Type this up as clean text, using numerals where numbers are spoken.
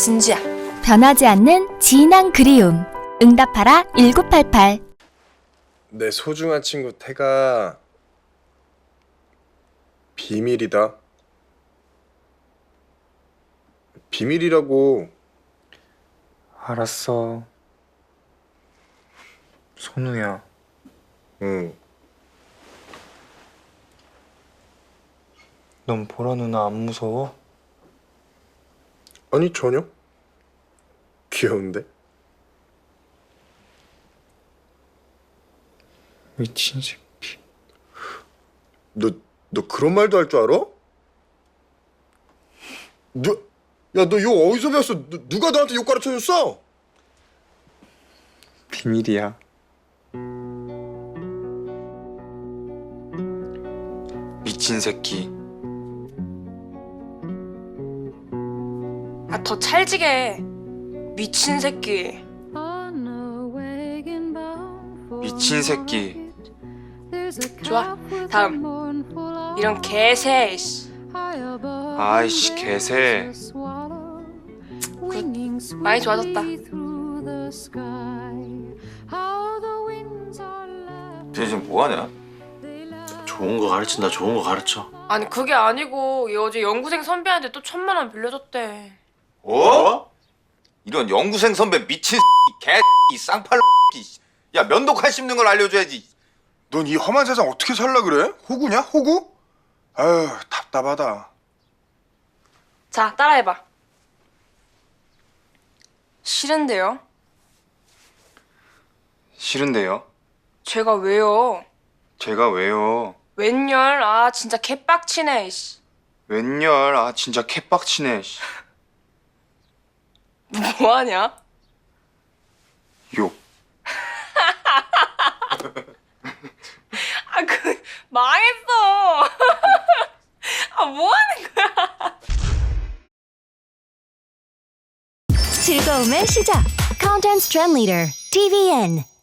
진주야. 변하지 않는 진한 그리움. 응답하라 1988. 내 소중한 친구 태가 비밀이다. 비밀이라고. 알았어. 선우야. 응. 넌 보라 누나 안 무서워? 아니 전혀. 귀여운데? 미친 새끼. 너 그런 말도 할 줄 알아? 너 욕 어디서 배웠어? 누가 너한테 욕 가르쳐줬어? 비밀이야. 미친 새끼. 아, 더 찰지게. 미친 새끼. 미친 새끼. 좋아. 다음. 이런 개새. 이씨. 아이씨 개새. 많이 좋아졌다. 쟤 지금 뭐하냐? 좋은 거 가르친다. 좋은 거 가르쳐. 아니 그게 아니고 얘 어제 연구생 선배한테 또 1,000만 원 빌려줬대. 어? 이런 연구생 선배 미친 개 쌍팔. 야 면도칼 씹는 걸 알려줘야지. 넌 이 험한 세상 어떻게 살라 그래? 호구냐? 호구? 아유 답답하다. 자, 따라해봐. 싫은데요? 싫은데요? 제가 왜요? 제가 왜요? 웬열? 아 진짜 개빡치네. 이씨. 웬열? 아 진짜 개빡치네. 씨. 뭐하냐? 욕. 아 그 망했어. 아 뭐하는 거야? 즐거움의 시작. Content Trend Leader TVN.